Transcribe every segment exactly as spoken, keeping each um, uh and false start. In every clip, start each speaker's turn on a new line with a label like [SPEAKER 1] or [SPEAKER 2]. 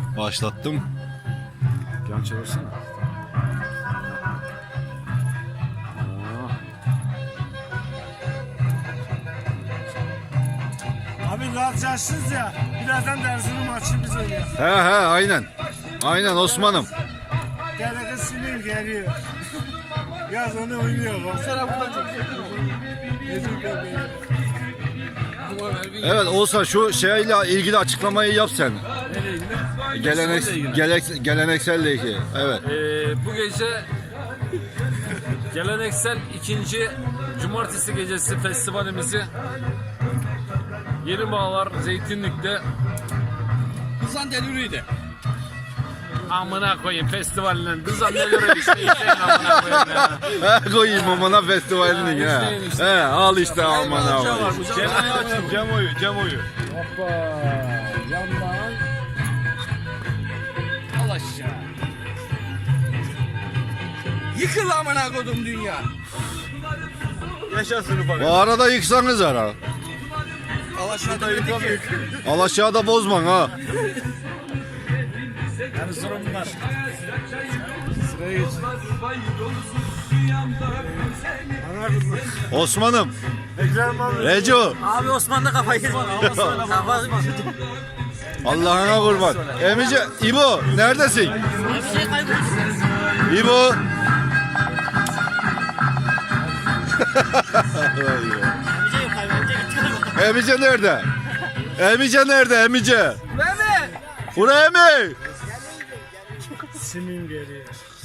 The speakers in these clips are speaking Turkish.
[SPEAKER 1] Başlattım.
[SPEAKER 2] Yan çevirsene.
[SPEAKER 3] Abi rahat yaşsız ya. Birazdan dersini maçı biz oynayacağız.
[SPEAKER 1] He he aynen. Aynen Osman'ım.
[SPEAKER 3] Derede sinir geliyor. Yaz onu oynuyor. Baksana burada çok
[SPEAKER 1] Evet Oğuzhan şu şeyle ilgili açıklamayı yap sen. Gelenek, gelek, gelenekselle ilgili. Evet.
[SPEAKER 4] Ee, bu gece geleneksel ikinci cumartesi gecesi festivalimizi Yeni Bağlar Zeytinlik'te
[SPEAKER 5] Kızan deliriydi.
[SPEAKER 4] amına koyayım festivalinin kızan ne göre işte işte amına koyayım ya.
[SPEAKER 1] He koyayım amına festivalinin ha.
[SPEAKER 4] izleyin işte.
[SPEAKER 1] He al işte amına koyayım.
[SPEAKER 4] Cemo'yu açın Cemo'yu Cemo'yu.
[SPEAKER 2] Hoppa. Yandan.
[SPEAKER 5] Al aşağı. Yıkıl amına kodum dünya.
[SPEAKER 1] Bu arada yıksanız ara.
[SPEAKER 5] Al aşağı demedi ki.
[SPEAKER 1] Al aşağıda bozman ha.
[SPEAKER 3] Yani sorun var.
[SPEAKER 1] Osman'ım.
[SPEAKER 3] Ekrem abi.
[SPEAKER 1] Reco.
[SPEAKER 6] Abi Osman da kafayı yedi. Kafa
[SPEAKER 1] Allah'ına kurban. Emice, İbo neredesin?
[SPEAKER 6] bir şey kayboldu.
[SPEAKER 1] İbo.
[SPEAKER 6] Amca yok abi. Amca gitti.
[SPEAKER 1] Emice nerede? Emice nerede Emice?
[SPEAKER 5] Ben mi?
[SPEAKER 1] Buraya mı?
[SPEAKER 3] Simin geliyor.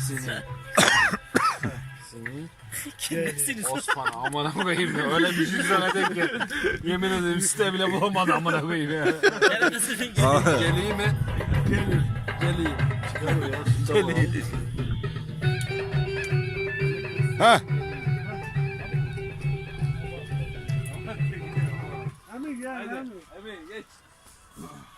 [SPEAKER 6] Kimdesiniz?
[SPEAKER 4] Osman amına koyayım ya öyle bir şey söyledin ki yemin ederim site bile bulamadı amına koyayım ya.
[SPEAKER 6] Neredesin?
[SPEAKER 4] Geleyim mi? Geleyim. Geleyim.
[SPEAKER 1] Ha?
[SPEAKER 3] Abi gel abi.
[SPEAKER 4] Emin geç.